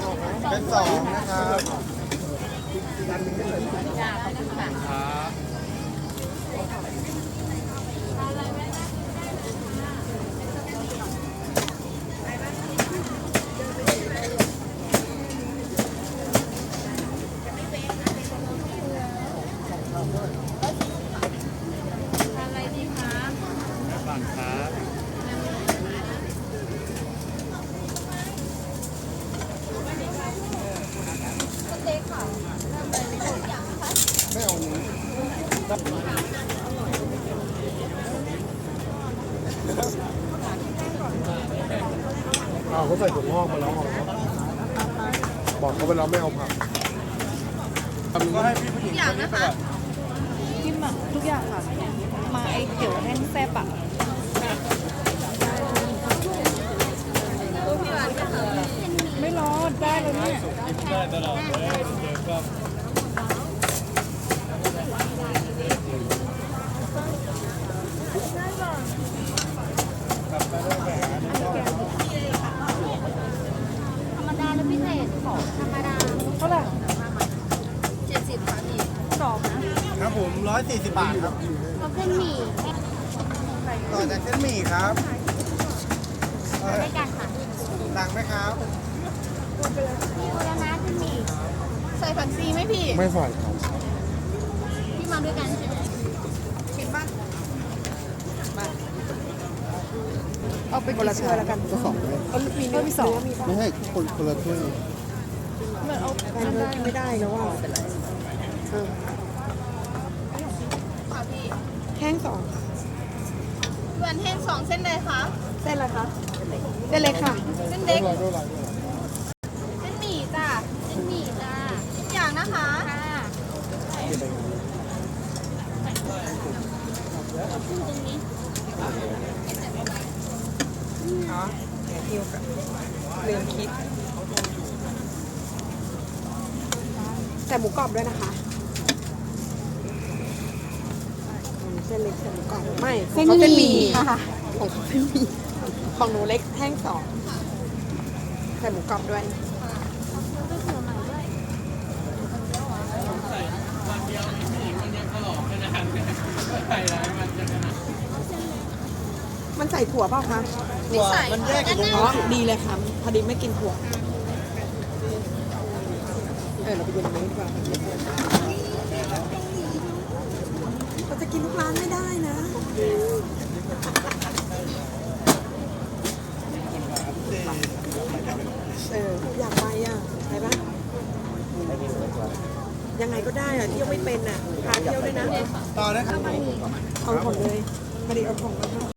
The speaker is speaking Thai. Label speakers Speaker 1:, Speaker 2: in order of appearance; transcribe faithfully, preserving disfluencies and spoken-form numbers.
Speaker 1: เป็นสองนะครับ
Speaker 2: จ้าขอบคุณค่ะอะไรดีคะบังครับสเต็กค่ะทำอะไรไม่ถูกอย่างคะ
Speaker 1: ไม่เอานี้อ้าวเขาใส่ถั่วงอกมาแล้วเหรอบอกเขาไปแล้วไม่เอาผักก็ให้พี่ผู้หญิงคนนี้ไปก่อน
Speaker 2: กินหมักทุกอย่างค่ะ มาไอเกี่ยวแห้งแซ่บอ่ะไม่ร้อนได้เลยเนี่ย
Speaker 3: ได้ตลอดเลยเดี๋ยวก็กลับไปเรื่องไปหาที่ชอบ
Speaker 4: ธรรมดาหรือพิเศษของธรรมดา
Speaker 2: เท่าไหร่
Speaker 4: เจ็ดสิบค่ะพี่
Speaker 2: สองนะครับ
Speaker 1: ผมร้อยสี่สิบบาทครับ
Speaker 4: เอาเส้นหมี่
Speaker 1: ต่อจากเส้นหมี่ครับเอ่อ
Speaker 4: ด้วยกันค่ะ
Speaker 1: สั่งไหมครับ
Speaker 4: พี่โอลานะเส้นหมี่ใส่ผักชีไหมพี่
Speaker 1: ไม่ใส่ครับ
Speaker 4: พี่มาด้วยกันใช่ไหม
Speaker 2: กินบ้างเอาไปคนละถ้วยแล้วกัน
Speaker 1: ก็สองเลย
Speaker 2: เอามีเนื้อมีสองมี
Speaker 1: ไม่ให้คนคนละถ้วย
Speaker 2: เหมือนเอาอันได้ไม่ได้แล้วว่าเป็นไรเออ
Speaker 4: ค่ะพี่
Speaker 2: แห้งสอง
Speaker 4: เพื่อนแห้งสองเส้นเลยคะ
Speaker 2: เส้นอะไรคะเส้นเล็กค่ะ
Speaker 4: เส้นเล็ก
Speaker 1: ด้วยด้วยด้วยด้วย
Speaker 4: เส้นหมี่จ้ะเส้นหมี่จ้ะทุกอย่างนะคะค่ะเอาขึ้นตรงนี้
Speaker 2: อ๋อเกี่ยวกับเรื่องคิดใส่หมูกรอบด้วยนะคะเส้นเล็กใส่หมูกรอบไม่เส้นหมี่ค่ะของเขาเส้นหมี่ของหนูเล็กแห้งสองใส่หมูกรอบด้วย
Speaker 4: เอาเสื้อไปเผื่อใหม่ด้วย
Speaker 2: มันใส่ถั่วเปล่าคะ
Speaker 4: ไม่ใส่
Speaker 1: มันแยกกันตรง
Speaker 2: อ๋อ
Speaker 1: นี้
Speaker 2: ดีเลยค่ะพอดีไม่กินถั่วเออเราไปดูตรงนี้ดีกว่าเราจะกินทุกร้านไม่ได้นะเอออยากไปอ่ะไปปะยังไงก็ได้อ่ะเที่ยวไม่เป็นอ่ะพาเที่ยวด้วยนะ
Speaker 1: ต่อได้ครับ
Speaker 2: เอาหมดเลยพอดีเอาของมาให้